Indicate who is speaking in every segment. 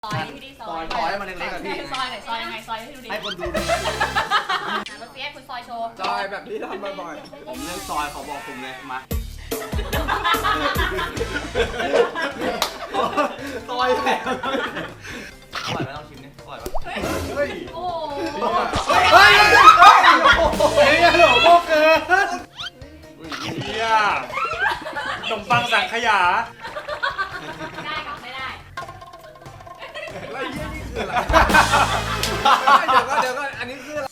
Speaker 1: ซอยพี่ดิซอย
Speaker 2: ซอยให้มันเล็กๆอะพี่
Speaker 1: ซอยไหนซอยยังไงซอยให้ดูดิ
Speaker 2: ให้คนดู
Speaker 1: รถเฟียสคุณซอยโชว์
Speaker 3: ซอยแบบที่ทำบ่อย
Speaker 2: ผมเรื่องซอยเขาบอกผมเลยมาซอยแหลมอร่อยไหมลองชิมดิอร่อยปะ
Speaker 3: ๆเฮ้ย
Speaker 1: โอ้
Speaker 2: เฮ้ยหลงโมเกิน
Speaker 4: เฮียขนมปังสังขยา
Speaker 1: ได้กับไม่ได้
Speaker 3: แล้วยี่นี่คืออะไรเดี๋ยวก็อันนี้คืออะไร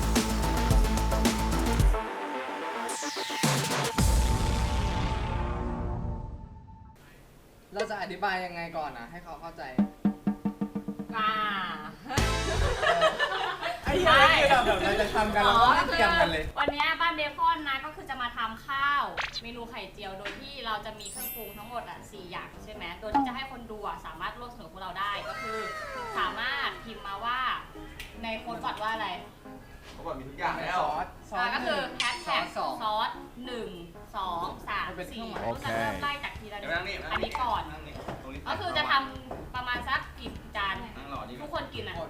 Speaker 3: เราจะอธิบายยังไงก่อนนะให้เขาเข้าใจไอ้ยังไงแบบเราจะทำกันเราต้องไม่เตรียมกันเลย
Speaker 1: วันนี้บ้านเบคอนนะก็คือจะมาทำข้าวเมนูไข่เจียวโดยที่เราจะมีเครื่องปรุงทั้งหมด4 อย่างใช่ไหมโดยที่จะให้คนดูสามารถร่วมสนุกกับพวกเราได้ก็คือสามารถพิมพ์มาว่าในโค้ดบัตรว่าอะไร
Speaker 2: เขาบอกมีทุกอย่างแล้ว
Speaker 1: ก็คือแฮชแท็ก
Speaker 3: ซอส
Speaker 1: ซอส1 2 3 4เราจะเริ่มไล่จากทีละนิดอันนี้ก่อนก็คือจะทำประมาณสักกี่จานทุกคนกินอ่ะ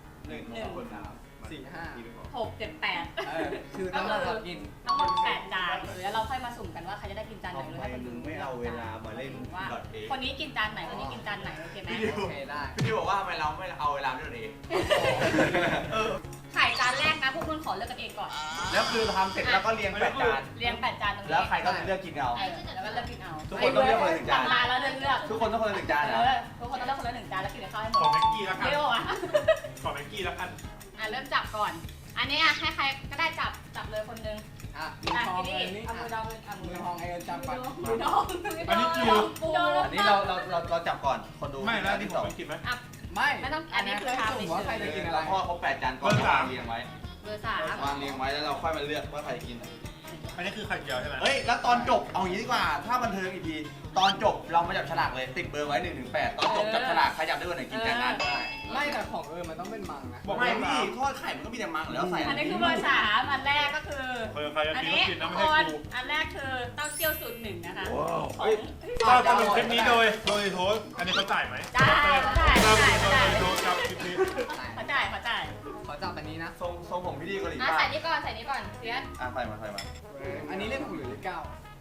Speaker 2: 1 คน
Speaker 3: 4 5
Speaker 1: 6 7 8
Speaker 3: คือต้องเรากิน
Speaker 1: ทั้งหมด8 จานแล้วเราค่อยมาสุ่มกันว่าใครจะได้กินจานไหนหรือให้คนดู
Speaker 2: ไม่เอาเวลามาเล่น
Speaker 1: ว่าคนนี้กินจานไหนคนนี้กินจานไหนโอเคไหม
Speaker 3: โอเคได้
Speaker 2: พี่บอกว่าทำไมเราไม่เอาเวลาด้วยเอง
Speaker 1: ไข่จานแรกนะพวกคุณขอเลือกกันเองก่อน
Speaker 2: แล้วคือทำเสร็จแล้วก็เรียง8 จาน
Speaker 1: เรียง8 จานตรงนี้
Speaker 2: แล้วใครก็เลือกกินเอา
Speaker 1: แล้วก็เลือกกินเอา
Speaker 2: ทุกคนต้องเลือกคนละ1 จาน
Speaker 1: มาแล้วเลือก
Speaker 2: ทุกคนต้องคนละ1 จานนะ
Speaker 1: ทุกคนต้องเลือกคนละ1 จานแล้วกินกับข้าวให้หม
Speaker 4: ขอ
Speaker 1: ด
Speaker 4: แม็กกี้แล้วกัน
Speaker 1: เร็วอ่ะ
Speaker 4: ขอแม็กกี้แล้วกัน
Speaker 1: เริ่มจับก่อน อันนี้ให้ใครก็ได้จับเลยคนนึง
Speaker 3: อ่ะมือทองเลยนี่
Speaker 1: เอามือดองเอามื
Speaker 3: มื
Speaker 1: อ
Speaker 3: อ
Speaker 1: ด
Speaker 3: ท
Speaker 1: อ
Speaker 3: อง งไอ้จับปัด
Speaker 1: มือดอง
Speaker 4: อันนี้คิว
Speaker 2: อันนี้เราจับก่อนคนดู
Speaker 4: ไม่แล้ว
Speaker 2: ที่
Speaker 4: ที่
Speaker 2: ส
Speaker 4: ผ
Speaker 2: อง
Speaker 4: มไม่กินไหม
Speaker 3: ไม่
Speaker 1: ไม่ต้องอันนี้คือทำ
Speaker 3: สุ่มว่าใครจะกินอะไร
Speaker 2: เราพ่อเขา8 จานก่อนวางเรียงไว้
Speaker 1: เบอร์ 3
Speaker 2: วางเรียงไว้แล้วเราค่อยมาเลือกว่าใครจะกิน
Speaker 4: อันนี้คือไข่เจียวใช่ไหม
Speaker 2: เฮ้ยแล้วตอนจบเอาอย่างนี้ดีกว่าถ้าบันเทิงอีกทีตอนจบเรามาจับฉลากเลยติดเบอร์ไว้1 ถึง 8ตอนจบจับฉลากใครจับได้วันไหนกินจานนั้น
Speaker 3: ไม่แต่ของมันต้องเป็นมังนะ
Speaker 2: ไม่พี่ทอดไข่มันก็มีแต่มังแล้วใส่
Speaker 1: อันนี้คือเบอร์ 3 อันแรกก็คือ
Speaker 4: ใครจะ
Speaker 1: อัน
Speaker 4: กิน
Speaker 1: นี้
Speaker 4: ก็กินนะ
Speaker 1: ทุ
Speaker 4: ไม่
Speaker 1: กค
Speaker 4: ให้
Speaker 1: น
Speaker 4: กู
Speaker 1: อันแรกคือเต้าเจี้ยวสูตร 1นะคะ
Speaker 4: เฮ้ยก็สรุปคลิปนี้โดยโทษอันนี้เขาจ่ายไหม
Speaker 1: จ่ายเขาจ่าย
Speaker 4: โดยกับคลิปนี้
Speaker 1: เขาจ่าย
Speaker 3: ขอจับอันนี้นะ
Speaker 2: ทรงผมพี่ดีกว่าหลี
Speaker 1: ใส่นี่ก่อนเพียส
Speaker 2: ใส่มา
Speaker 3: อันนี้เลข6หรือเลข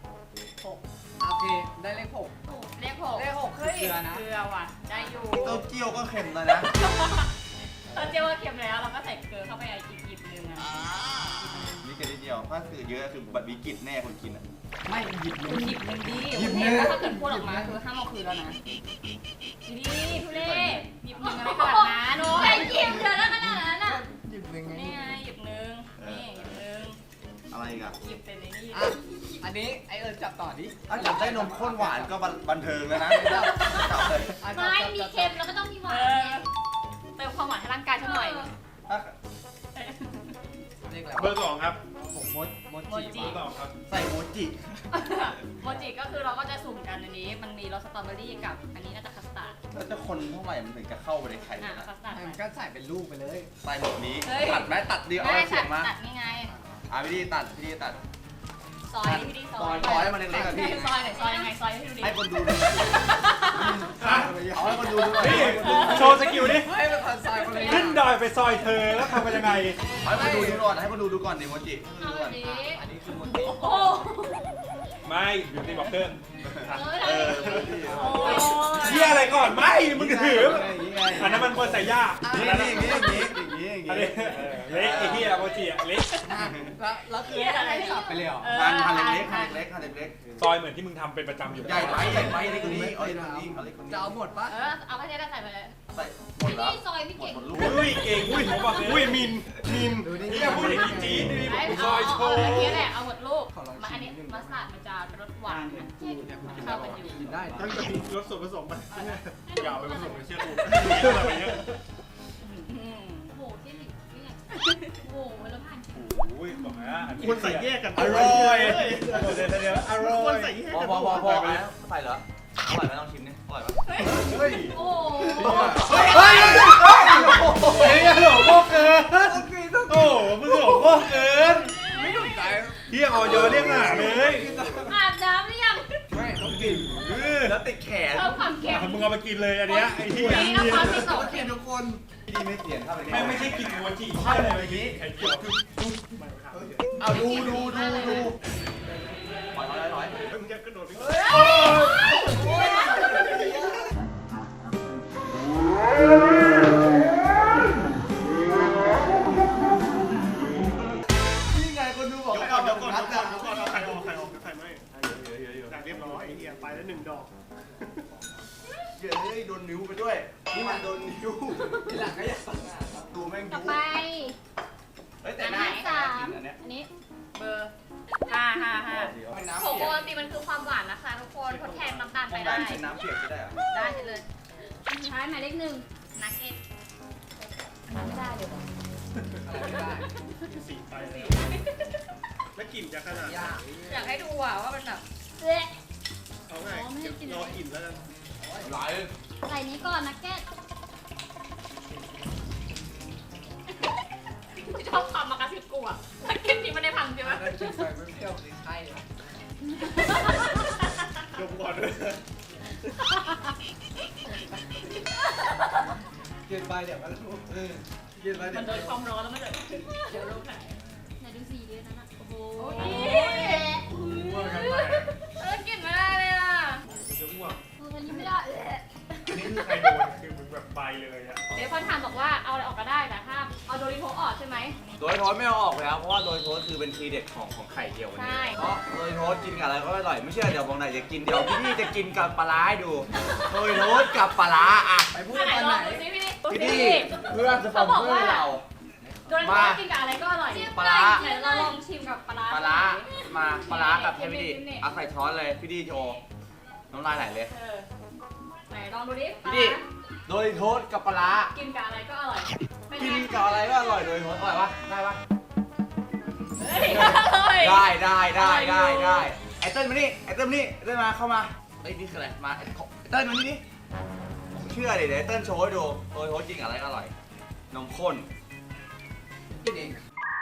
Speaker 3: 9 6โอเคได้เลข6
Speaker 1: เลข 6
Speaker 3: เลข6คือเกลือนะ
Speaker 1: เกลือว่ะได้อยู่
Speaker 2: เต้าเจี้ยวก็เค็มแล้วนะ
Speaker 1: เต้าเจี้ยวว่าเค็มแล้วเราก็ใส่เกลือเข้าไปอีกหยิบนึงอ่ะ
Speaker 2: นี่แค่นิดเดียวถ้าคือเยอะคือบัตรวิกฤตแน่คนกินอ่ะ
Speaker 3: ไม่หยิบเลย
Speaker 1: หยิบนึงดี
Speaker 3: หยิบนึง
Speaker 1: แล้วถ้าเกิดพูดออกมาคือห้ามเอาคืนแล้วนะดีทุเล่หยิบนึงอะไรขนาดนั้นโน้ยหยิบเยอะแล้วขนาดนั้นอ่ะ
Speaker 3: หยิบยังไง
Speaker 1: นี่ไงหยิบนึงนี่หยิบนึง
Speaker 2: อะไรอีกอ่ะ
Speaker 1: หยิบเป็นในนี่
Speaker 3: อ่ะอันนี้ไอจับต่อดิ
Speaker 2: ถ้าจับได้นมข้นหวานก็บันเทิงแล้วนะจับเลย
Speaker 5: ไม่มีเค็มแล้วก็ต้องมีหวานไง
Speaker 1: เติมความหวานให้ร่างกายฉันหน่อย
Speaker 3: เลขอะไร
Speaker 4: เบอร์ 2 ครับ
Speaker 3: ผมมด
Speaker 1: โมจิ
Speaker 4: เบอร์ 2 ครับ
Speaker 2: ใส่โมจิ
Speaker 1: โมจิก็คือเราก็จะสุ่มกันอันนี้ มันมีรสสตรอเบอรี่กับอันนี้น่าจะคัสตาร์ด
Speaker 2: แล้วจะคนเท่าไหร่มันถึงจะเข้าไปในไข่
Speaker 1: อ่ะ
Speaker 2: นะ
Speaker 1: คัสตาร์ด
Speaker 3: มันก็ใส่เป็นลูกไปเลย
Speaker 2: ใส่แบบนี้ตัดไหมตัดดีเอา
Speaker 1: ได้
Speaker 2: เสียงมา
Speaker 1: ตัดนี่ไง
Speaker 2: พี่ดีตัดพี่ดีตัด
Speaker 1: ซอยพี่ดิซอย
Speaker 2: ซอยให้มันเล็กๆอะพี่
Speaker 1: ซอยไหนซอยยังไงซอยให้ดูดิ
Speaker 2: ให้คนดูเอาให้คนดูด้วย
Speaker 4: นี่โชว์สกิลดิ
Speaker 3: ให้เป็นคนซอยคนละ
Speaker 4: ขึ้นดอยไปซอยเธอแล้วทำกันยังไง
Speaker 2: ให้คนดูก่อนให้คนดูก่อนดิโมจิ
Speaker 5: เอาแบบนี้
Speaker 3: อันนี้คือมดติ
Speaker 1: โอ้
Speaker 4: ไม่บิวตี้บล็อกเกอร์
Speaker 5: เออ
Speaker 1: โอ้ย
Speaker 4: เฮียอะไรก่อนไม่มึงถืออันนั้นมันคนใส่ยา
Speaker 2: อย่างนี้
Speaker 4: อันนี้เล็กไอ้เฮียโมจิอะเล็ก
Speaker 3: แล้วคือให้สับไปเลยเหรอ
Speaker 2: หั่นเล็กหั่นเล็ก
Speaker 4: ซอยเหมือนที่มึงทำเป็นประจำอยู่
Speaker 2: ใหญ่ไปเล็กคนนี้เอาเล็กคนนี้เอาเล็กคนนี้
Speaker 3: จะเอาหมดปะ
Speaker 1: เอาไปเทได้ใส่ไปเลย
Speaker 2: ใส่หมดแล้ว
Speaker 5: พี่ซอยพี่เก่ง
Speaker 2: หมดลูก
Speaker 4: อุ้ยเก่งอุ้ยผมบอกอุ้ยมิน
Speaker 3: ดูดิ
Speaker 4: เฮียพูดอย่างนี้จี๊ดดิผมซอยโช
Speaker 1: เอา
Speaker 4: ว์
Speaker 1: เมื่อกี้แหละเอาหมดลูกมาอันนี้มัสตาร์ดมันจะรสหวานนะเข้ากันอยู่
Speaker 3: กินได้
Speaker 4: ต้องจะมีรสส่วนผสมไปอย่าเอาไปผสมในเชื่อกูไปเยอะ
Speaker 5: โอ้โหที่หลิวเนี่ยโอ้โหแล้วผ่าน
Speaker 4: อุ้ยบอกนะ
Speaker 6: ควรใส่แยกกัน
Speaker 4: อร่อยเดี๋ยวอร่
Speaker 6: คว
Speaker 4: อ
Speaker 6: ร
Speaker 4: ย
Speaker 6: ใส่แยก
Speaker 2: พอ
Speaker 6: กัน
Speaker 2: พอใส่เหรออร่อยไหมลองชิมดิอร่อยปะ
Speaker 3: เฮ้ย
Speaker 5: โอ้โห
Speaker 2: เฮ้ย
Speaker 4: เฮียหลงโคเกินโอ้มึงหลงโคเกิน
Speaker 3: ไม่ถูกใจ
Speaker 4: เฮียออยเรียกหาเลย
Speaker 5: อาบน้ำหรือยัง
Speaker 3: ไม่ต้องกิน
Speaker 2: แล้วติดแขน
Speaker 5: ชอบความเค็ม
Speaker 4: มึงเอาไปกินเลยอันเนี้ยไอ้ที่
Speaker 5: นี่น้ำความที่สอง
Speaker 3: โอเคทุกคน
Speaker 2: พี่ดีไม่เปลี่ยนเข้าไป
Speaker 4: ไม่ใช่กินโมจิ
Speaker 2: ใช่เลยเมื่อกี้
Speaker 4: ไข่เจียว
Speaker 2: เอาดูถอย
Speaker 4: มึงจะกระโดดไป
Speaker 2: นี่ไงคนดูบอก
Speaker 4: เดี๋ยว
Speaker 2: ให้
Speaker 4: ก่อ
Speaker 2: เอา
Speaker 4: น
Speaker 2: แบ
Speaker 4: เดี๋ยว
Speaker 2: บ
Speaker 4: ก่อน
Speaker 2: นัด
Speaker 4: เดี๋ยว
Speaker 2: อะ
Speaker 4: ก่อนเอาไข่ไม่อยากเรียบร้อยไอ้เหี้ยไปแล้ว1 ดอก
Speaker 2: เดี๋ยวให้โดนนิ้วไปด้วยนี่มันโดนนิ้ว
Speaker 3: ทีหลังก็อยากสั่งงาน
Speaker 2: ดูแม่ง
Speaker 5: ต่อ
Speaker 2: ยุ
Speaker 5: ไป
Speaker 2: เฮ้ยแต่
Speaker 5: อัน
Speaker 2: หน้า
Speaker 5: ที่
Speaker 2: สา
Speaker 5: สาม
Speaker 2: อันเนี้ย
Speaker 5: อันนี้
Speaker 1: เบอร์555
Speaker 2: เป็นน้ำ
Speaker 1: ผง
Speaker 2: เปี
Speaker 1: โอย
Speaker 2: ก
Speaker 1: วัลตินมันคือความหวานนะคะทุกคนทดแทนน้ำตาลไป
Speaker 2: ได้
Speaker 1: ได้
Speaker 2: เป็นน้ำเปียกก็ได้เหรอ
Speaker 1: ได้เลย
Speaker 5: อันสุดท้ายหมายเลขหนึ่ง
Speaker 1: นักเก็ต
Speaker 5: ไม่ได้เลยว่ะ
Speaker 3: อะไรไม่ได้
Speaker 4: สีไปเลยแล้วกลิ่นจะขนาด
Speaker 3: ยาก
Speaker 1: อยากให้ดูอ่ะว่ามันแบบ
Speaker 5: เอ๊ะ
Speaker 4: เอาไงรอกลิ่นแล้วกัน
Speaker 2: ไหล
Speaker 5: ใส่นี้ก่อนนักเก็ต
Speaker 1: ชอบความมากระซิบกูอ่ะนักเก็ตนี่มันได้พังใช่ไหม
Speaker 3: แล้วกินไปไม่เปรี้ยวสิใช่นะ
Speaker 4: ดมก่อนเลย
Speaker 3: กินไปเดี๋ยวก็รู้กินไปเดี๋
Speaker 1: มั
Speaker 3: ย
Speaker 1: น
Speaker 3: ว
Speaker 1: โดนความร้อนแล้วมันจะเดี๋ยวลูกไหน
Speaker 5: ไหนดูสีดีนั่นอ่ะโอ้โห
Speaker 4: ว่ากันไป
Speaker 1: กินไม่ได้เลยอ่ะ
Speaker 4: จะอ้วก
Speaker 5: อันนี้ไม่ได้เอ๊ะ
Speaker 4: อันนี้คือใครโดนคือมึงแบบไปเลยอะ
Speaker 1: เดี๋ยวคนถามบอกว่าเอาอะไรออกก็ได้แต่ถ้าเอาโดริโทออกใช่ไหม
Speaker 2: โดยโทษไม่เอาออกเลยครับเพราะว่าโดยโทษคือเป็นทีเด็ดของไข่เจียววันนี้
Speaker 1: ใช่
Speaker 2: เพราะโดยโทษกินกับอะไรก็อร่อยไม่เชื่อเดี๋ยวบางไหนจะกินเดี๋ยวพี่จะกินกับปลาร้าให้ดูโดยโทษกับปลาร้าอ่ะ
Speaker 3: ไปพูด
Speaker 1: อันไหน
Speaker 3: ตอน
Speaker 1: ล
Speaker 3: ไหน
Speaker 1: องดูสิพี่
Speaker 2: พี่ดีเพื่อนสปอนเซอร์เรา
Speaker 1: โดริโทกินกับอะไรก็อร่อย
Speaker 2: ปลาร้า
Speaker 1: ไหนเราลองชิมกับปลาร้า
Speaker 2: ปลาร้ามาปลาร้ากับให้พี่ดีเอาใส่ช้อนเลยพี่ดีโชว์น้ำลายไหลเลย
Speaker 1: เออไหนลองดูดิ
Speaker 2: พี่ดีโดยโทษกับปลาร้า
Speaker 1: กินกับอะไรก็อร่อยเป็นไง
Speaker 2: กินกับอะไรก็อร่อยโดยโทษอร่อยปะได้ปะ
Speaker 1: เฮ้ยอร่อย
Speaker 2: ได้ไอเติ้ลมานี่ไอเติ้ลมานี่ไอเติ้ลมาเข้ามาเอ้ยนี่คืออะไรมาไอเติ้ลมานี่ดิเชื่อดิเดี๋ยวไอเติ้ลโชว์ให้ดูโดยโทษกินกับอะไรก็อร่อยนมข้น
Speaker 3: กินเอง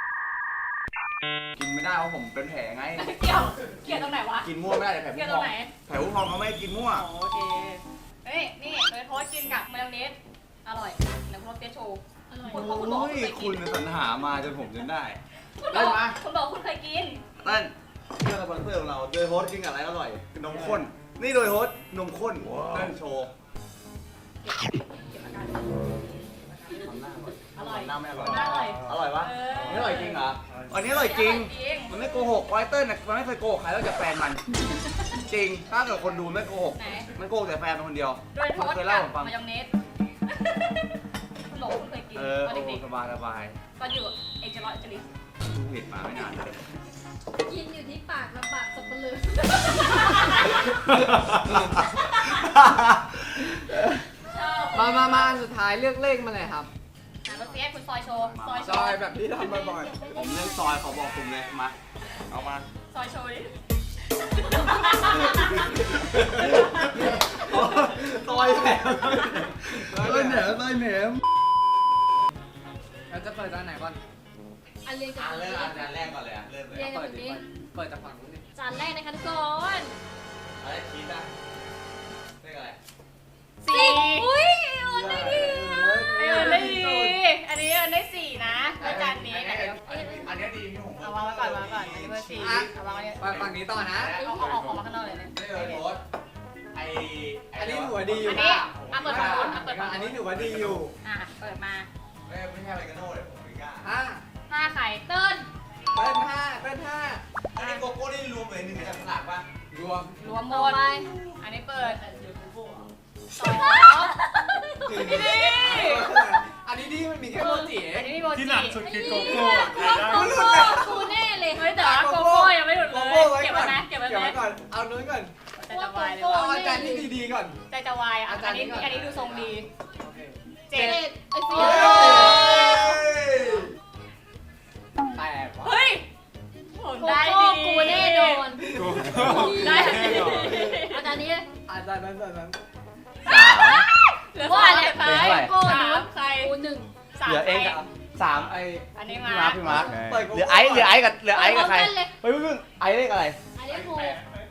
Speaker 2: กินไม่ได้เพราะผมเป็นแผลไง
Speaker 1: เกี่ยวตรงไหนวะ
Speaker 2: กินมั่วไม่ได้แต่แผล
Speaker 1: เกี่
Speaker 2: ผู้
Speaker 1: ยว
Speaker 2: พ
Speaker 1: ตร
Speaker 2: อง
Speaker 1: ไหน
Speaker 2: แผลผู้พองเขาไม่ให้กินมั่ว
Speaker 1: โอเคเฮ้ยนี่โดยโทษกินกับมายองเนสอร่อยเดี๋ยวคุณเปียโชว์
Speaker 5: อร่อย
Speaker 1: คุณบอกคุณบอก
Speaker 2: โอ้
Speaker 1: คุณ
Speaker 2: ย
Speaker 1: เคย
Speaker 2: คุ
Speaker 1: กิ
Speaker 2: ณ
Speaker 1: น
Speaker 2: สรรหามาจนผมจนได้
Speaker 1: คุณบอกคุณเคยกิน
Speaker 2: เติ้ลเพื่อนสปอนเซอร์ของเราโดยโฮสกินกับอะไรอร่อยคือนมข้นนี่โดยโฮสนมข้นเติ้ลโชว์
Speaker 1: เก็บอาการ
Speaker 2: ทำหน้าก่อน
Speaker 1: อร่อย
Speaker 2: หน้าไม่อร่อย
Speaker 1: อร่อย
Speaker 2: อร่อยปะ
Speaker 1: เออ
Speaker 2: ไม่อร่อยจริงเหรออันนี้อร่อยจริง มันไม่โกหกไวเติ้ลน่ะมันไม่เคยโกหกใครแล้วจากแฟนมัน จริง ถ้าเกิดคนดูไม่โกหก
Speaker 1: ไหน
Speaker 2: มันโกหกแต่แฟนมันคนเดียว
Speaker 1: โดยโท
Speaker 2: มัน
Speaker 1: ษ
Speaker 2: เคย
Speaker 1: กั
Speaker 2: เล่า
Speaker 1: บ
Speaker 2: ผมฟัง
Speaker 1: มายองเนสคุณบอกคุณเคยกิน
Speaker 2: เออ
Speaker 1: ตอน
Speaker 2: โอ้
Speaker 1: เด็ก
Speaker 2: สบายสบาย
Speaker 1: ๆตอนอยู่เอกจรอยเจลิส
Speaker 2: ดูเห็ดมาไม่นานเลย
Speaker 5: กินอยู่ที่ปากลำบากสับปะรด
Speaker 1: ชอบ
Speaker 3: มาอันสุดท้ายเลือกเลขมาเลยครับ
Speaker 1: รถเสียคุณซอยโชว์ซอยโช
Speaker 3: ซอ
Speaker 1: ว์
Speaker 3: ยแบบที่ทำบ่อย
Speaker 2: ผมเลือกซอยเขาบอกผมเลยมาเอามา
Speaker 1: ซอยโชว์ดิ
Speaker 2: ซอยแหนมซอยแหนมซอยแหนม
Speaker 3: ๆเราจะเปิดตอนไหนก่อน
Speaker 5: อันเรียงจาก
Speaker 2: อ่ะ
Speaker 5: ฝั่ง
Speaker 2: เริ่ม
Speaker 5: นี้
Speaker 2: อันแรกก่อนเลยอ่ะเริ่มเลย
Speaker 5: เรียงจาก
Speaker 3: เปิด
Speaker 5: ฝั่ง
Speaker 3: ดิ
Speaker 5: นี้
Speaker 3: เปิดจากฝั่งนู้นดิ
Speaker 5: จานแรกนะคะทุกคน
Speaker 2: อะไรชีสอ่ะเลขอะไร
Speaker 1: สี่
Speaker 5: อุ้ยโอนได้ดี
Speaker 1: เออได้ดีอันนี้เออได้สี่นะด้วยจานนี้เดี๋ยว
Speaker 2: อันนี้ดีพี่ผม
Speaker 1: เอาวางไว้ก่อนวางไว้ก่อนอันนี้เบอร์สี่เอาวางไว้เนี่ย
Speaker 3: ไปฝั่งนี้ต่อนะ
Speaker 1: เอาออกมาข้างนอกเลยเนี่ย
Speaker 2: ไม่เลยโพสไอ
Speaker 3: อันนี้ถือว่าดีอยู่
Speaker 1: อันนี้เอาเปิดฝั่งนู้นเอาเปิดฝั่ง
Speaker 3: อัน
Speaker 1: นู้
Speaker 3: นี้
Speaker 1: น
Speaker 3: ถือว่าดีอยู่
Speaker 1: อ่ะเปิดมา
Speaker 2: ไม่ใช่อะไรกันโน่เลยผมไม่กล้า
Speaker 3: ห้า
Speaker 1: ห้าไข่เติ้ล
Speaker 3: เปิ้ลห้าเปิ้ลห้า
Speaker 2: อันนี้โกโก้นี่รวมเป็นหนึ่งในจับฉลากป่ะ
Speaker 3: รวม
Speaker 1: รวมหม
Speaker 5: ต่อ
Speaker 1: ด
Speaker 5: ไป
Speaker 1: อันนี้เปิดสองพี่ดี
Speaker 3: อันนี้ดีมันมีแค่โมจิ
Speaker 1: อันนี้มีโมจิ
Speaker 4: ที่หนักสุดคือโกโก้
Speaker 5: กูว่าโกโก้กูแน่เลย
Speaker 1: เฮ้ยแต่ว่าโกโก้ยังไม่หลุดเล
Speaker 3: โก
Speaker 1: ย
Speaker 3: โก้ไว้
Speaker 1: เก็บ
Speaker 3: ก่
Speaker 1: ไว้
Speaker 3: อน
Speaker 1: นะเก็บไว้
Speaker 3: เก็บ
Speaker 1: ไหม
Speaker 3: ไว้ก่อนเอานู้นก่อน
Speaker 1: ใจจะวายเลย
Speaker 3: เอา
Speaker 1: ว่ะ
Speaker 3: อาจารย์ที่ดีๆก่อน
Speaker 1: ใจจะวายอ่ะอันนี้ดูทรงดี
Speaker 3: โอเค
Speaker 1: เจ็ด
Speaker 5: ไอ้ฟิ
Speaker 2: เฮ้
Speaker 5: วย
Speaker 3: แปดวะ
Speaker 1: เฮ้ยผม
Speaker 5: โก
Speaker 1: ได้
Speaker 5: โก้
Speaker 1: ดี
Speaker 5: กูแน่นอน
Speaker 1: ผมได้ดี
Speaker 5: อาจารย์นี้
Speaker 3: อาจารย์นั้น
Speaker 1: เหลือ
Speaker 5: ว่า
Speaker 1: สาม
Speaker 5: แหละ
Speaker 1: ใคร
Speaker 5: โก้
Speaker 1: สา
Speaker 5: หนึ่
Speaker 1: ม
Speaker 5: ง
Speaker 1: ใคร
Speaker 5: กูหนึ่ง
Speaker 1: สาม
Speaker 2: เหลือเอง
Speaker 1: ใคร
Speaker 2: กับสามไอ
Speaker 1: อันนี้
Speaker 2: พี่
Speaker 1: มา
Speaker 2: มาร์ค
Speaker 3: เปิดโก
Speaker 2: เหลื
Speaker 3: โก้
Speaker 2: อไอซ์กับเหลือไอซ์กับใคร
Speaker 5: พร้อมกันเลย
Speaker 2: เฮ้ยไอซ์เลขอะไร
Speaker 5: อันนี้กู
Speaker 1: ไ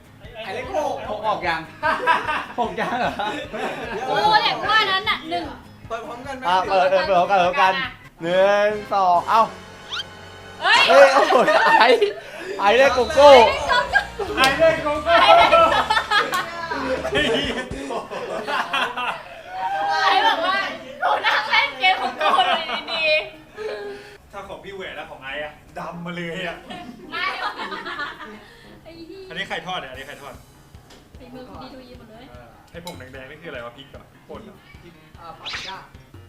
Speaker 3: ไอ้เล็กโก
Speaker 2: หกออกยังหกยังเหรอ
Speaker 5: โอ้แหลกว่านั้นน่ะหนึ่ง
Speaker 3: เปิดพร้อมกันไหม
Speaker 2: เปิดพร้อมกันหนึ่งสองเอ้า
Speaker 1: เฮ้ย
Speaker 2: เฮ้ยโอ้โหไอ้ได้โกโก้
Speaker 4: ไอ้เล่นโกโก้
Speaker 1: ไอ้บอกว่าหนูนั่งเล่นเกมของกูเลยดี
Speaker 4: ถ้าของพี่แหวนแล้วของไอ้อะดำมาเลยอะ
Speaker 1: ๆไม่
Speaker 5: ไอ้ที่
Speaker 4: อันนี้ไข่ทอดเนี่ยอันนี้ไข่ทอด
Speaker 5: ฝีมือคุณดีดูยีหมดเลย
Speaker 4: ไอ้ผงแดงๆนี่คืออะไรวะพริกก่อนพริกป่นเหรอ
Speaker 3: ปาปริก้า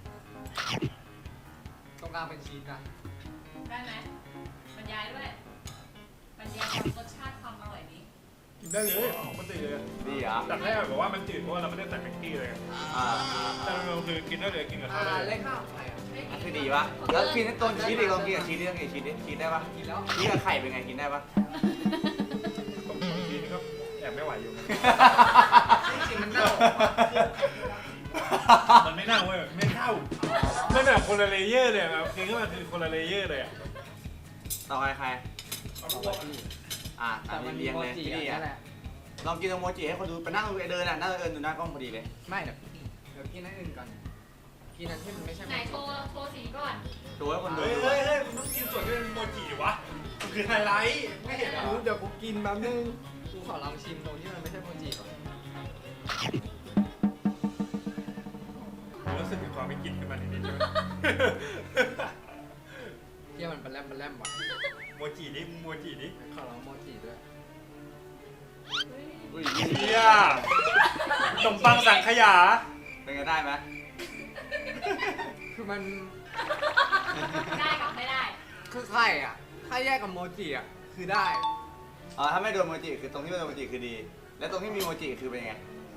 Speaker 3: ตรงกลางเป็นชีสนะ
Speaker 1: ได้ไหมบรรยายด้วยบรรยายความรสชาติความอร่อยนี้
Speaker 4: กินได้เลยของมันตื่นเลย
Speaker 2: ดีเหรอ
Speaker 4: แต่แรกบอกว่ามันจืดเพราะว่าเราไม่ได้ใส่แม็กกี้เลยไง
Speaker 2: อ่า
Speaker 4: แต่เราคือกินได้เลยกินกับข้าวได้เล
Speaker 3: เล็
Speaker 4: ย
Speaker 3: กข้าวไข่อะ
Speaker 2: อันคือดีปะแล้วกินต้นชีสดิลองกินกับชีสดิลองกินกับชีสดิชีสได้ปะ
Speaker 3: กินแล้ว
Speaker 2: ชีสกับไข่เป็นไงกินได้ปะ
Speaker 4: ต้มชีสนี่ก็แอบไม่ไหวอยู่เหมือนกัน
Speaker 3: จริงมันเน่า
Speaker 4: มันไม่เน่าเว้ยไม่เข้ามันแบบคนละเลเยอร์เลยแบบคือก็มันคือคนละเลเยอร์เลยอ่ะ
Speaker 2: ต่อไปใคร
Speaker 4: เอาพวก
Speaker 2: อ่ะ
Speaker 3: แต่
Speaker 2: ตาม
Speaker 3: มันมี
Speaker 2: เลี้ยง
Speaker 3: โม
Speaker 2: เลย
Speaker 3: จิ
Speaker 2: พี่ดี
Speaker 3: นั่
Speaker 2: อ่ะ
Speaker 3: นแหละ
Speaker 2: ลองกินโมจิให้คนดูไปนั่งดูไอเดินอ่ะนั่งเดินดูหน้ากล้องพอดีเลย
Speaker 3: ไม่เดี๋ยวกินอันอื่นก่อนกินอันที่มันไม่ใช่
Speaker 1: ไหนโทรสีก่อน
Speaker 2: ดูให้คนดู
Speaker 4: เฮ้ยเฮ้ยเฮ้ยมึงต้องกินส่วนที่เป็นโมจิดิวะมันคือไฮไลท์ไม่เห็นเหรอ
Speaker 3: เดี๋ยวกูกินแป๊บนึงกูขอลองชิมตรงที่มันไม่ใช่โมจิก่อน
Speaker 4: รู้สึกถึงความไม่กินขึ้นมานิดๆใช่ไหม
Speaker 3: เที่ยมันเป็นแรมว่ะ
Speaker 4: โมจินี่มึงโมจินี่
Speaker 3: ขอลองโมจิด้วย
Speaker 2: อุ้ย
Speaker 4: เฮียขนมปังสังขยา
Speaker 2: เป็นไงได้ไหม
Speaker 3: คือมัน
Speaker 1: ได้กับไม่ได้
Speaker 3: คือไข่อ่ะถ้าแยกกับโมจิอ่ะคือได้
Speaker 2: อ๋อถ้าไม่โดนโมจิคือตรงที่ไม่โดนโมจิคือดี แล้วตรงที่มีโมจิคือเป็นไง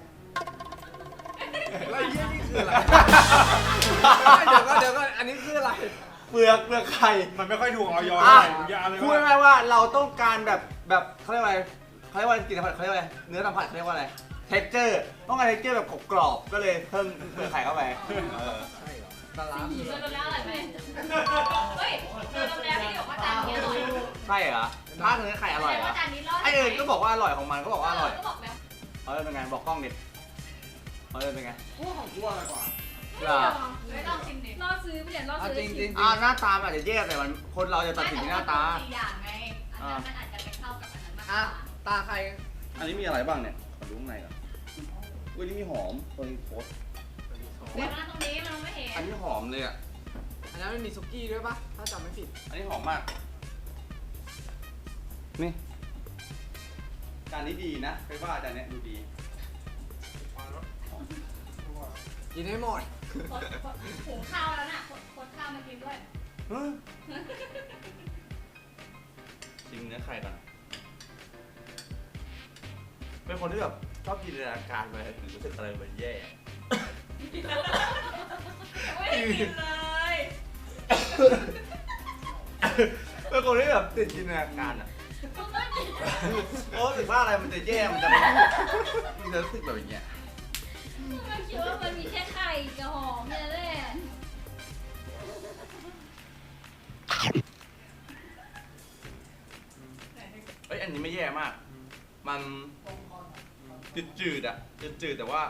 Speaker 3: แล้วไอ้เหี้ยนี่คืออะไร เดี๋ยวก็อันนี้คืออะไร
Speaker 2: เปลือกไข่
Speaker 4: มันไม่ค่อยถูกออย
Speaker 2: อ่ะ
Speaker 4: เท่าไหร่มึงอย่าเลย
Speaker 2: พูด
Speaker 4: ว่า
Speaker 2: ง่ายๆว่าเราต้องการแบบเขาเรียกว่าอะไรเขาเรียกว่ากินสัมผัสเขาเรียกว่าอะไรเนื้อสัมผัสเขาเรียกว่าอะไรเท็กเจอร์ต้องการเท็กเจอร์แบบกรอบๆก็เลยเพิ่มเปลือกไข่เข้าไปเออ
Speaker 3: ใช่เหรอปลาร้า
Speaker 1: เจอแล้วอะไรไหมเฮ้ยเจอแล้วพี่บอกว่าจานนี้อร่อย
Speaker 2: ใช่เหรอถ้าเนื้อไข่อร่อยเหรอ
Speaker 1: ว่าจานนี้รอด
Speaker 2: ไอเอิญก็บอกว่าอร่อยของมันก็บอกว่าอร่อย
Speaker 1: ก็บอกแล้ว
Speaker 2: เอาเลยเป็นไงบอกกล้องดิเอาเลยเป็นไง
Speaker 3: กูของกูอะไรกว่า
Speaker 2: เหรอ
Speaker 1: ไม่ต้องชิมดิ
Speaker 5: ล่อซื้อไม่เดี๋ยวล่อ
Speaker 3: เอา
Speaker 5: ซื้อ
Speaker 3: จริง
Speaker 2: หน้าตามันอาจจะแย่แต่มันคนเราจะตัดสินที่หน้าตา
Speaker 1: 4อย่างไงอันนั้นมันอาจจะไปเข้ากับอันนั้นมากก
Speaker 3: อ่ะ
Speaker 1: ว่า
Speaker 3: ตาใคร
Speaker 2: อันนี้มีอะไรบ้างเนี่ยขอดูข้างในก่อนอุ้ยนี่มีหอมตัวนี้โคตร
Speaker 1: เดี๋ยวนั่งตรงนี้มันไม่เห็น
Speaker 2: อันนี้หอมเลยอ่ะ
Speaker 3: อันนั้นมันมีซุกี้ด้วยปะถ้าจำไม่ผิด
Speaker 2: อันนี้หอมมาก นี่จานนี้ดีนะไปว่าจานเนี้ยดูดี
Speaker 3: กินให้หมด
Speaker 1: หุงข้าวแล้วน่ะคนข้าวมากินด้วย
Speaker 2: ชิมเนื้อไข่ก่อนเป็นคนที่แบบชอบจินตนาการไปถึงรู้สึกอะไรเหมือนแย่
Speaker 1: ไม่ได้กินเลย
Speaker 2: เป็นคนที่แบบติดจินตนาการอ่ะโอ้รู้สึกว่าอะไรมันจะแย่มันจะรู้สึกแบบอย่างเงี้ย
Speaker 5: ไม่คิดว่ามันมีแค่ไข่กับหอมเนี่ยแหละ
Speaker 2: เอ้ยอันนี้ไม่แย่มาก มันจืดๆอ่ะจืดๆแต่ว่า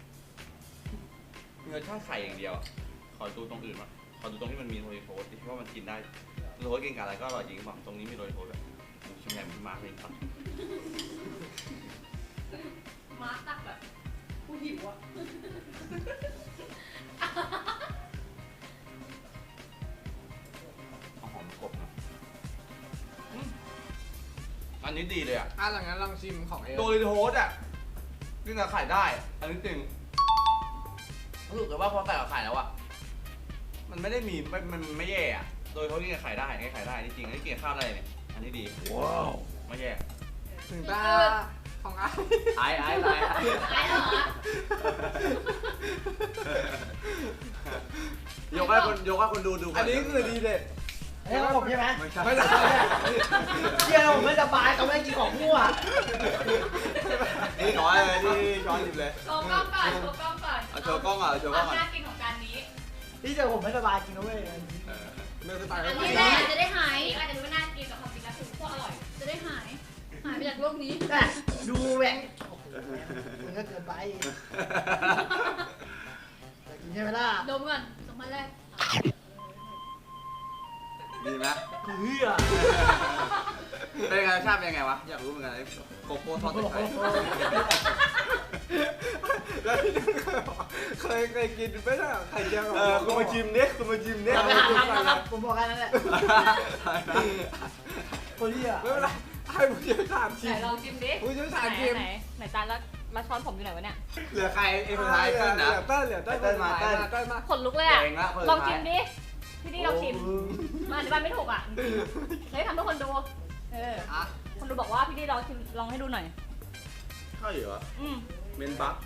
Speaker 2: มีรสชาติไข่อย่างเดียวอะขอดูตรงอื่นมาขอดูตรงที่มันมีโรยโทสต์ดิว่ามันกินได้โรยโทสต์กินกับอะไรก็อร่อยจริงบอกตรงนี้มีโรยโทสต์แบบชิมแหนมมาร์กเลยครับ
Speaker 1: มาร์คตักแบบกูหิวอ่ะ
Speaker 2: เอาหอมกบนะอันนี้ดีเลยอ่ะ
Speaker 3: หลังนั้นลองชิมของเอ
Speaker 2: โดยโทสต์อ่ะกินกับไข่ได้ อันนี้จริงรู้สึกเลยว่าพอใส่กับไข่แล้วอ่ะมันไม่ได้มีมันไม่แย่อ่ะโดยเขากินกับไข่ได้กินกับไข่ได้นี่จริงอันนี้กินกับข้าวได้เนี่ยอันนี้ดีว้าวไม่แย่
Speaker 3: ถึงตาของไอ้
Speaker 2: ไอ้
Speaker 1: ไอ้เหรอ
Speaker 2: ยกให้คนดูก่
Speaker 3: อันนี้คือดีเด็ด
Speaker 6: อันนี้ของผมใช่ไหม
Speaker 2: ไม่ใช่
Speaker 3: ไม่ใช่
Speaker 6: เชี่ยผมไม่สบายเขาไม่ให้กินของมั่ว
Speaker 2: นี่ช้อนเลยนี่ช้อนหยิบเลย
Speaker 1: โชว์กล้องก่อนโชว์กล้องก่อน
Speaker 2: เอาโชว์กล้องอ่ะโชว์กล้อง
Speaker 1: ค
Speaker 2: อ่ะ
Speaker 1: วามน่ากินของจานนี้
Speaker 6: พี่เจอผมไม่สบายกินนะเว้ย
Speaker 2: เออ
Speaker 3: เนื้อสไตล์
Speaker 1: อัน
Speaker 3: ไม่
Speaker 1: นี้
Speaker 3: ได้
Speaker 1: แหละจะได้หายอาจจะดูว่าน่ากินแต่ความจริงแล้วคือโคตรอร่อย
Speaker 5: จะได้หาย
Speaker 2: อ
Speaker 5: หายไปจากโลกนี้
Speaker 6: แต่ดูแหวงโอ้โหมันก็เกินไปแต่กินใช่ไหมล่ะ
Speaker 5: ดมก่อนสองพันแรก
Speaker 2: ดีไหม
Speaker 6: เฮือ
Speaker 2: เป็นไงรสชาติเป็นยังไงวะอยากรู้เหมือนกันไอ้โกโก้ทอดใส่ไข่
Speaker 3: แล้วพี่เคยกินไหมล่ะไข่เจียวกับ
Speaker 2: คุณมาชิมดิคุณมาชิมดิ
Speaker 6: เราไปหาทำนะครับผมบอกแค่นั้นแหละคนเฮีย
Speaker 3: ไม่เป็นไรให้ผู้เชี่ยวชาญชิ
Speaker 1: ไหน
Speaker 3: ม
Speaker 1: ลองชิมดิ
Speaker 3: ผู้เชี่ยวชาญ
Speaker 1: ไหน
Speaker 3: ชิม
Speaker 1: ไหนจานแล้วช้อนผมอยู่ไหนวะเนี่ย
Speaker 2: เหลือใครไอ้คนท้ายเต้นนะ
Speaker 3: เหลือเต้นมา
Speaker 2: เต้น
Speaker 3: เต้นมา
Speaker 1: ขนลุกเลยอ่ะ
Speaker 2: เก่งละคนสุดท้าย
Speaker 1: ลองชิมดิ พี่ดีลองชิม มาอธิบายไม่ถูกอ่ะเฮ้ยทำให้คนดู
Speaker 2: อ่ะ
Speaker 1: คนดูบอกว่าพี่ดีลองชิมลองให้ดูหน่อย
Speaker 2: ใช่เหรอ
Speaker 1: อืม
Speaker 2: เมนบัก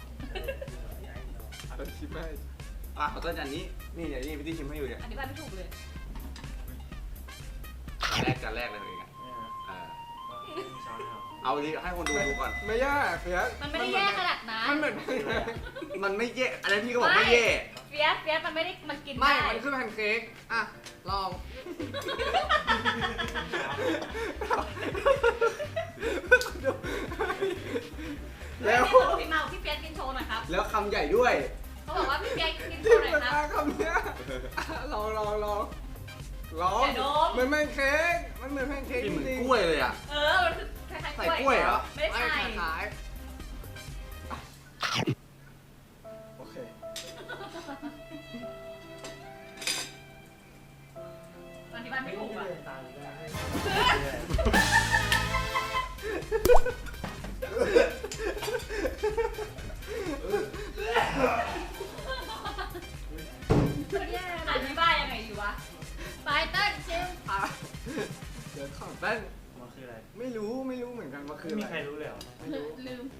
Speaker 3: ชิมให้
Speaker 2: อ่ะขอต้นจานนี้นี่เดี๋ยวนี่พี่ที่ชิมให้อยู่เนี่ย
Speaker 1: อธิบายไม่ถูกเลย
Speaker 2: จานแรกเลยเองอ่ะเอาดิให้คนดูดูก่อน
Speaker 3: ไม่แย่เฟียส
Speaker 1: มันไม่ได้แย่ขนาดนั้น
Speaker 3: มันเหมือน
Speaker 2: มันไม่แย่อะไรพี่ก็บอกไม่แย่
Speaker 1: เฟียสมันไม่ได้มันกิน
Speaker 3: ไม่
Speaker 1: ได้
Speaker 3: มันคือแพนเค้กอ่ะลอง
Speaker 1: แล้วพี่เมาพี่เฟียสกินโชว์หน่อยครับ
Speaker 2: แล้วคำใหญ่ด้วย
Speaker 1: เขาบอกว่าพี่เฟียสกินโช
Speaker 3: ที่
Speaker 1: ว์หน่อย
Speaker 3: มัน
Speaker 1: ครับ
Speaker 3: คำเนี้ยลอง
Speaker 1: อย่าดม
Speaker 3: มันเหมือนเค้กมันเหมือนแพนเค้ก
Speaker 2: กินเหมือน
Speaker 3: จริง
Speaker 2: กล้วยเลยอ่ะ
Speaker 1: มันคือคล้ายๆ
Speaker 2: ใส่กล้วยเหรอ
Speaker 1: ไม่ได้ใส่
Speaker 3: ขายโอเค
Speaker 1: อธิบายไม่ถูกอ่ะอธิบายยังไงดีวะ
Speaker 5: ไปเต้นชิม
Speaker 3: เดี๋ยวขอแป้ง
Speaker 4: มันคืออะไร
Speaker 3: ไม่รู้เหมือนกันว่าคือ
Speaker 4: ไม่
Speaker 3: อะไร
Speaker 4: มีใครรู้เลยเหรอ
Speaker 5: ลืม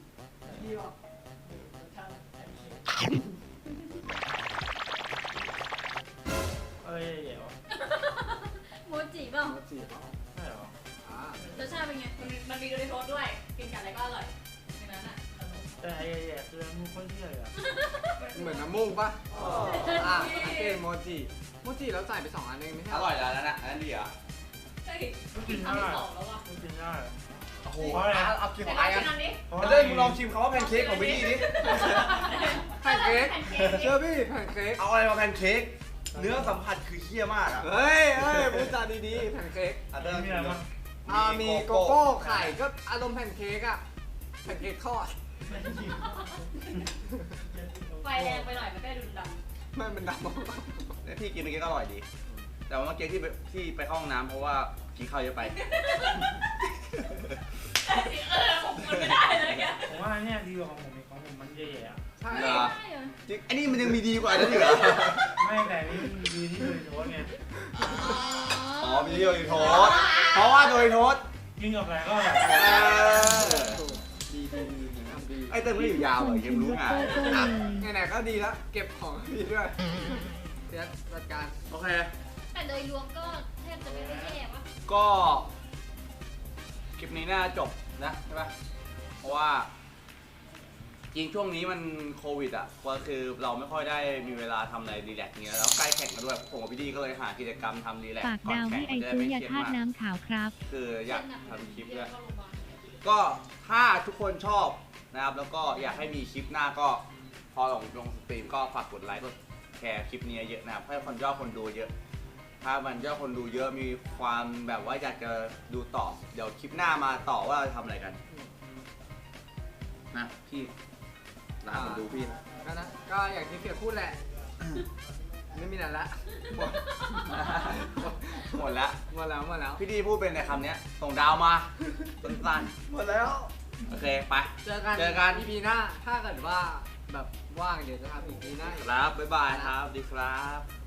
Speaker 4: เอ้ยเดี๋ยว
Speaker 5: โมจิเปล่า
Speaker 3: โมจิเปล่า
Speaker 4: ใช่เหรอ
Speaker 3: อ่าร
Speaker 5: สชาติเป็นไง
Speaker 1: มันมีโดริโทสด้วย กินกับอะไรก็อร่อยในนั้นอ่ะ
Speaker 4: แต่ไอ้แย่คือมึงคนเที่ยวเลยอ่ะ
Speaker 3: เหมือนน้ำมูกปะสังเกตโมจิแล้วใส่ไป2 อันเองไม่ใช่
Speaker 2: อร่อยแล้วนั่นน่ะอันนั้นดีเหรอ
Speaker 1: ใช่
Speaker 4: ไม่กิน
Speaker 1: อัน
Speaker 4: ได้
Speaker 1: ที่สองแล้วอ่ะ
Speaker 4: ไม่กินได้
Speaker 2: โอ้โห
Speaker 4: เพราะอะไร
Speaker 2: เอากินข
Speaker 1: แต่
Speaker 2: อง
Speaker 1: ล
Speaker 2: ไอ้
Speaker 1: อง
Speaker 2: กั
Speaker 1: ชิ
Speaker 2: น
Speaker 1: มอันนี้
Speaker 2: เต้ยมึงลองชิมคำว่าแพนเค้กของพี่ดิ
Speaker 3: แพนเค้กเชื่อพี่แพนเค้ก
Speaker 2: เอาอะไรมาแพนเค้กเนื้อสัมผัสคือเคี้ยมากอ่ะ
Speaker 3: เฮ้ยพูดจาดีๆแพนเค้ก
Speaker 2: อ่ะเต้ย
Speaker 4: มีอะไรบ้าง
Speaker 3: มีโกโก้ไข่ก็อารมณ์แพนเค้กอะแพนเค้กทอด
Speaker 1: ไฟแรงไปหน่อยมันก็ดุนด
Speaker 3: ไม่มันดำ
Speaker 2: แล้วพี่กินเมื่อกี้ก็อร่อยดี แต่ว่าเมื่อกี้ที่ไปเข้าห้องน้ำเพราะว่ากินข้าวเยอะไป
Speaker 1: ำผมกินไม่ได้เลยแก
Speaker 4: ผมว่าเนี่ยดีกว่าของผมอีกของผมมันแย่ๆอ่ะ
Speaker 3: ใช่
Speaker 2: เหรอ
Speaker 5: ได้เหรอ
Speaker 2: จริงอันนี้มันยังมีดีกว่าอันนั้นอีกเหรอ
Speaker 4: ไม่แต่นี่มันดีที่เลยโทษไง
Speaker 2: อ๋อมีโดยโทษเพราะว่าโดยโทษ
Speaker 4: กินกับอะไรก็อร่อย
Speaker 3: ดีทำดี
Speaker 2: ไอ้เต้ยไม่ได้อยู่ยาวเหรอยังรู้งาน
Speaker 3: ไหนๆก็ดีแล้วเก็บของพี่ด้วยเดี๋ยวจัดการ
Speaker 2: โอเค
Speaker 5: แต่โดยรวมก็แทบจะไม่ได้แย่ปะ
Speaker 2: ก็คลิปนี้น่าจบนะใช่ปะเพราะว่าจริงช่วงนี้มันโควิดอ่ะก็คือเราไม่ค่อยได้มีเวลาทำอะไรรีแลกซ์เงี้ยแล้วใกล้แข่งกันด้วยผมกับพี่ดีก็เลยหากิจกรรมทำรีแลก
Speaker 7: ฝาก
Speaker 2: ซ์ก่อน
Speaker 7: ดาว
Speaker 2: แข่
Speaker 7: ให้
Speaker 2: ง
Speaker 7: ไอ
Speaker 2: จะได้
Speaker 7: ซื้อ
Speaker 2: ไม่
Speaker 7: ยา
Speaker 2: เครียด
Speaker 7: ธาตุ
Speaker 2: มาก
Speaker 7: น้ำขาวครับ
Speaker 2: คืออยากทำคลิปด้วย
Speaker 5: เข้าโรงพยาบาล
Speaker 2: ก็ถ้าทุกคนชอบนะครับแล้วก็อยากให้มีคลิปหน้าก็พอลงสตรีมก็ฝากกดไลค์กดแชร์คลิปนี้เยอะนะครับให้คนยอดคนดูเยอะ ถ้ามันยอดคนดูเยอะมีความแบบว่าอยากจะดูต่อ เดี๋ยวคลิปหน้ามาต่อว่าเราจะทำอะไรกันนะพี่ลาคนดูพี่นะ
Speaker 3: ก็อย่างที่เฟียพูดแหละ ไม่มีอะไรละ
Speaker 2: หมดแล้ว
Speaker 3: หมดแล้ว
Speaker 2: พี่ดีพูดเป็นในคำเนี้ยส่งดาวมาสั้น
Speaker 3: หมดแล้ว
Speaker 2: ๆโอเคไป
Speaker 3: เจอกัน EP หน้า ถ้าเกิดว่าแบบว่างเดี๋ยวจะทำอีก EP หน้าอีก
Speaker 2: ครับบ๊ายบายครับดีครับ